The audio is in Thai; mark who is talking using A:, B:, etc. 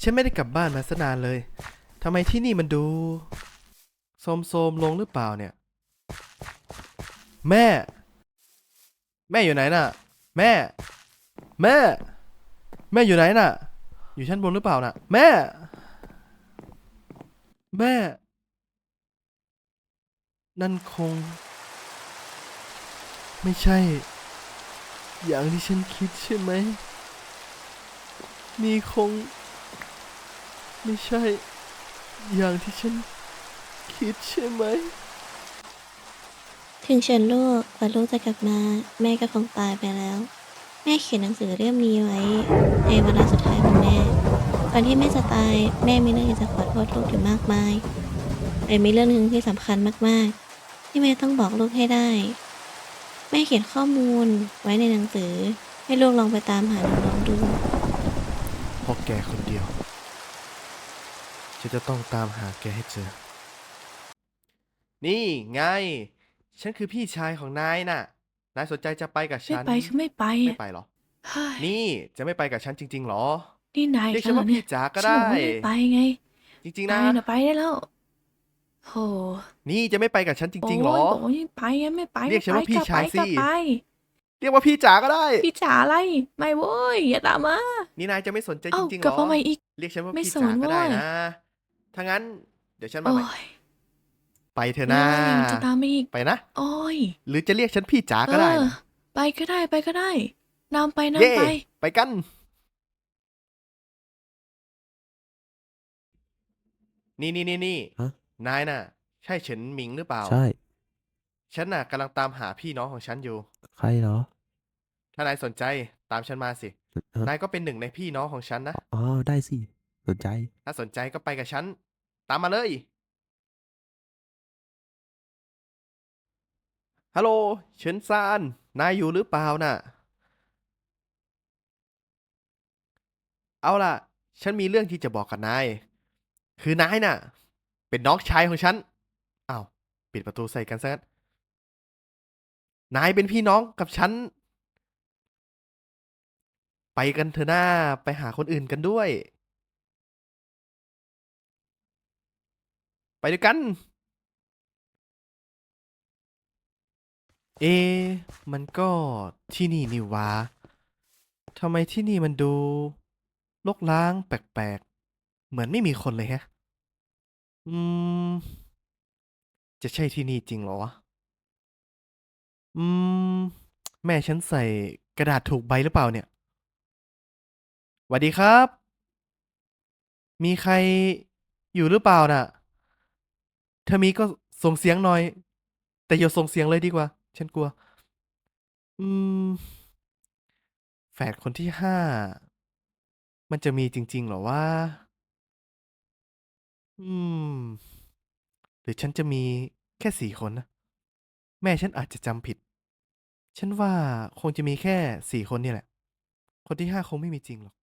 A: ฉันไม่ได้กลับบ้านมาซะนานเลยทำไมที่นี่มันดูโทรมๆลงหรือเปล่าเนี่ยแม่แม่อยู่ไหนน่ะแม่แม่แม่อยู่ไหนน่ะอยู่ชั้นบนหรือเปล่าน่ะแม่แม่นั่นคงไม่ใช่อย่างที่ฉันคิดใช่ไหมนี่คงไม่ใช่อย่างที่ฉันคิดใช่ไหม
B: ถึงฉันลูกกว่าลูกจะกลับมาแม่ก็คงตายไปแล้ว แม่เขียนหนังสือเรื่องนี้ไว้ในวาระสุดท้ายของแม่ก่อนที่แม่จะตายแม่มีเรื่องอยากจะขอโทษลูกอยู่มากมายแต่มีเรื่องหนึ่งที่สำคัญมากๆที่แม่ต้องบอกลูกให้ได้แม่เขียนข้อมูลไว้ในหนังสือให้ลูกลองไปตามหาน้องๆดู
A: เพราะแกคนเดียวฉันจะต้องตามหาแกให้เจอนี่ไงฉันคือพี่ชายของนายน่ะนายสนใจจะไปกับ
C: ไม่
A: ฉัน
C: ไปคือไม่ไป
A: ไม่
C: อ่ะ
A: ไปเหรอ
C: เฮ้ย
A: นี่จะไม่ไปกับฉันจริงๆหรอ
C: นี่นาย
A: เรียกฉันว่าพี่
C: กันเหรอเนี่ย
A: จ๋าก็
C: ฉันบอ
A: ได้
C: กว่าไม่ไปไง
A: จริงๆนะ
C: นายน่ะไปได้แล้วโห
A: นี่จะไม่ไปกับฉันจ
C: โอ้
A: ริงๆหรอ
C: ยบอกว่าไม่ไปไงไม่ไป
A: เรีย
C: ไม่ไป
A: กฉันว่าพี่
C: ก็ไป
A: ชายสิ
C: ก็ไป
A: เรียกว่าพี่จ๋าก็ได้
C: พี่จ๋าอะไรไม่โว้ยอย่าตามมา
A: นี่นายจะไม่สนใจจ
C: เอ้า
A: ริงๆหรอ
C: กลับมาใหม่อีก
A: เรียกฉันว่า
C: ไม่
A: พี่
C: สน
A: จ๋าก็ได้
C: โว้ย
A: นะถ้างั้นเดี๋ยวฉันมา
C: โอ้
A: ใหม่
C: ย
A: ไปเถอะ
C: โอ้
A: นะ
C: ยยังจะตามมาอีก
A: ไปนะ
C: โอ้ย
A: หรือจะเรียกฉันพี่จ๋า
C: เอ
A: ก็ได้
C: อ
A: นะ
C: ไปก็ได้ไปก็ได้นำไป
A: เย่
C: นำไป
A: ไปกันนี่
D: ฮะ
A: นายน่ะใช่เฉินหมิงหรือเปล่า
D: ใช่
A: ฉันน่ะกำลังตามหาพี่น้องของฉันอยู่
D: ใครเหรอ
A: ถ้านายสนใจตามฉันมาสิ
D: ฮะ
A: นายก็เป็นหนึ่งในพี่น้องของฉันนะ
D: อ๋อได้สิสนใจ
A: ถ้าสนใจก็ไปกับฉันตามมาเลยฮัลโหลเฉินซานนายอยู่หรือเปล่าน่ะเอาล่ะฉันมีเรื่องที่จะบอกกับนายคือนายน่ะเป็นน้องชายของฉันอ้าวปิดประตูใส่กันซะงั้นนายเป็นพี่น้องกับฉันไปกันเถอะหน้าไปหาคนอื่นกันด้วยไปด้วยกัน เอะมันก็ที่นี่นี่หวะทำไมที่นี่มันดูรกร้างแปลกๆ เหมือนไม่มีคนเลยแฮะ อืม จะใช่ที่นี่จริงเหรอวะ อืม แม่ฉันใส่กระดาษถูกใบหรือเปล่าเนี่ยสวัสดีครับ มีใครอยู่หรือเปล่าน่ะถ้ามีก็ส่งเสียงหน่อย แต่อย่าส่งเสียงเลยดีกว่า ฉันกลัว อืม แฝดคนที่5มันจะมีจริงๆเหรอวะอืม หรือฉันจะมีแค่4 คนนะ แม่ฉันอาจจะจำผิด ฉันว่าคงจะมีแค่4 คนเนี่ยแหละ คนที่5คงไม่มีจริงหรอก